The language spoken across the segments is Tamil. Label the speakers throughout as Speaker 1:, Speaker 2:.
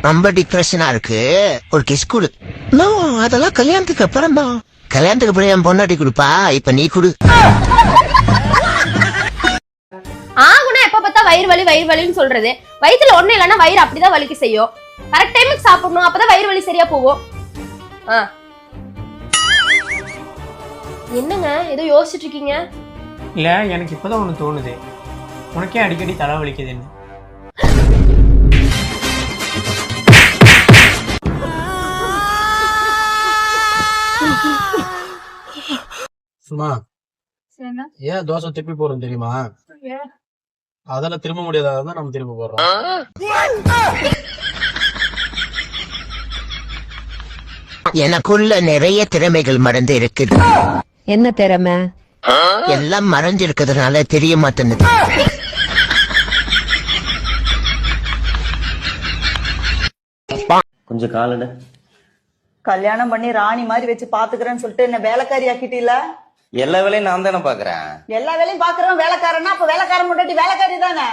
Speaker 1: ரொம்ப டிப்ரெஷனா இருக்கு, ஒரு கிஸ் கொடு. நோ, அதெல்லாம் கல்யாணத்துக்கு அப்புறம் தான். கல்யாணத்துக்கு அப்புறம் என் பொண்டாட்டி கொடுப்பா, இப்ப நீ கொடு.
Speaker 2: ஆகுனா எப்ப பார்த்தா வயிறு வலின்னு சொல்றது. வயித்துல ஒண்ணு இல்லைன்னா வயிறு அப்படிதான் வலிக்க செய்யும். கரெக்ட் டைமுக்கு சாப்பிடணும், அப்பதான் வயிறு வலி சரியா போகும். என்னங்க ஏதோ யோசிச்சுட்டு இருக்கீங்க?
Speaker 3: இல்ல, எனக்கு இப்பதான் ஒண்ணு தோணுது. உனக்கே அடிக்கடி தலை வலிக்குதுன்னு.
Speaker 4: சும்மா ஏன் தோசை திருப்பி போறோம் தெரியுமா? அதெல்லாம் திரும்ப முடியாதான் நம்ம திரும்ப போடுறோம்.
Speaker 1: எனக்குள்ள நிறைய திறமைகள் மறந்து இருக்குது.
Speaker 5: என்ன திறமை?
Speaker 1: எல்லாம் மறைஞ்சு இருக்கிறதுனால தெரிய மாட்டேங்குது.
Speaker 6: கொஞ்சம் காலட.
Speaker 7: கல்யாணம் பண்ணி ராணி மாதிரி வச்சு பாத்துக்கிறேன்னு சொல்லிட்டு என்ன வேலைக்காரி ஆக்கிட்டீல?
Speaker 6: எல்லா வேலையும் நான் தானே பாக்குறேன்.
Speaker 7: எல்லா வேலையும் பாக்குறவன் வேலைக்காரனா, அப்ப வேலைக்காரன் முன்னாடி வேலைக்காரி தானே.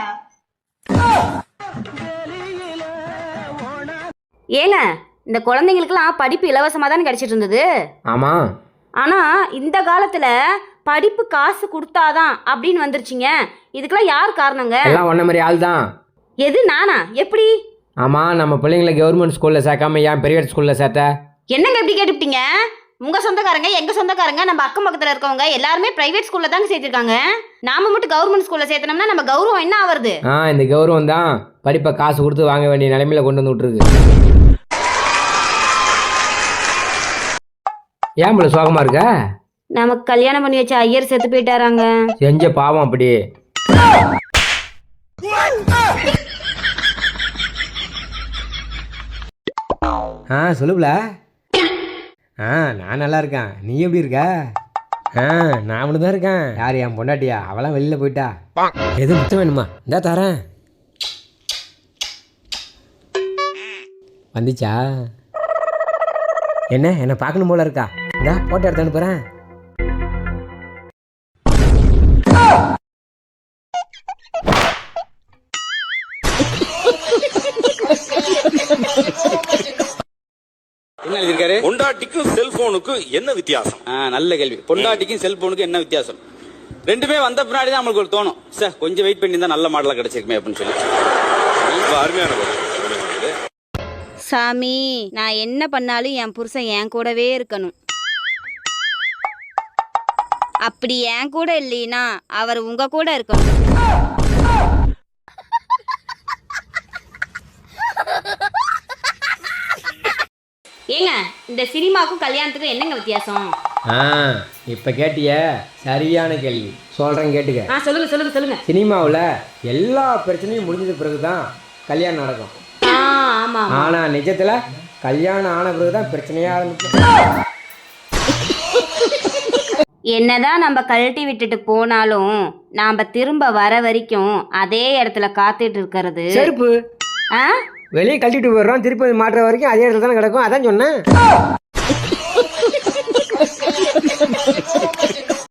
Speaker 8: ஏங்க, இந்த குழந்தைங்களுக்குலாம் படிப்பு இலவசமா தானே கிடைச்சிட்டு இருந்தது.
Speaker 3: ஆமா.
Speaker 8: ஆனா இந்த காலத்துல படிப்பு காசு கொடுத்தாதான் அப்படின்னு வந்துருச்சுங்க. இதுக்கெல்லாம் யார் காரணங்க?
Speaker 9: எல்லாம் ஒன்ன மாதிரி ஆள் தான்.
Speaker 8: எது, நானா? எப்படி?
Speaker 9: ஆமா, நம்ம பிள்ளைங்களை கவர்மெண்ட் ஸ்கூல்ல சேர்க்காம ஏன் பிரைவேட் ஸ்கூல்ல சேர்த்த?
Speaker 8: என்னங்க இப்படி கேட்டுப்பிட்டீங்க? உங்க சொந்தக்காரங்க, எங்க சொந்தக்காரங்க, நம்ம அக்கம் பக்கத்துல இருக்கவங்க எல்லாருமே பிரைவேட் ஸ்கூல்ல தாங்க சேர்த்திருக்காங்க. நாம மட்டும் கவர்மெண்ட் ஸ்கூல்ல சேர்த்தனோம்னா நம்ம கௌரவம் என்ன ஆவறது?
Speaker 9: இந்த கௌரவம் தான் படிப்பை காசு கொடுத்து வாங்க வேண்டிய நிலைமையில கொண்டு வந்து விட்டுருக்கு. ஏன் போல சோகமா இருக்க?
Speaker 8: நமக்கு கல்யாணம் பண்ணி வச்ச ஐயர் செத்து போயிட்டாராங்க.
Speaker 9: செஞ்ச பாவம் அப்படி. சொல்லுப்ல. நான் நல்லா இருக்கேன். நீ எப்படி இருக்க? நான் மட்டும் தான் இருக்கேன். யார், என் பொண்டாட்டியா? அவளாம் வெளியில போயிட்டா. எது முத்தம் வேணுமா? இந்தா தரேன். வந்துச்சா? என்ன பார்க்கணும் போல இருக்கா? இந்தா போட்டோ எடுத்து அனுப்புறேன்.
Speaker 10: என்ன எழுதிருக்காரு?
Speaker 11: பொண்டாட்டிக்கும் செல்போனுக்கும் என்ன வித்தியாசம்?
Speaker 10: நல்ல கேள்வி. பொண்டாட்டிக்கும் செல்போனுக்கும் என்ன வித்தியாசம்? ரெண்டுமே வந்த பின்னாடி தான் நம்மளுக்கு ஒரு தோணும், சார் கொஞ்சம் வெயிட் பண்ணி தான் நல்ல மாடலா கிடைச்சிருக்குமே அப்படின்னு சொல்லி.
Speaker 11: அருமையான
Speaker 8: சாமி, நான் என்ன பண்ணாலும் என் புருஷன் என் கூடவே இருக்கணும். அப்படி என் கூட இல்லைன்னா அவர் உங்க கூட இருக்கணும். ஏங்க, இந்த சினிமாக்கும் கல்யாணத்துக்கும் என்னங்க வித்தியாசம்?
Speaker 9: இப்ப கேட்டிய சரியான கேள்வி. சொல்றேன் கேட்டுக்க.
Speaker 8: சொல்லுங்க.
Speaker 9: சினிமாவில் எல்லா பிரச்சனையும் முடிஞ்சது பிறகுதான் கல்யாணம் நடக்கும்.
Speaker 8: ஆமா.
Speaker 9: ஆனா நிஜத்துல கல்யாணம் ஆன பிறகுதான் பிரச்சனையா ஆரம்பிக்கும்.
Speaker 8: என்னதான் நம்ம கழட்டி விட்டுட்டு போனாலும் நாம திரும்ப வர வரைக்கும் அதே இடத்துல காத்துட்டு இருக்கிறது
Speaker 9: செருப்பு. வெளியே கழட்டிட்டு போயிடுறோம், திருப்பி மாட்டுற வரைக்கும் அதே இடத்துல தானே கிடக்கும். அதான் சொன்னேன்.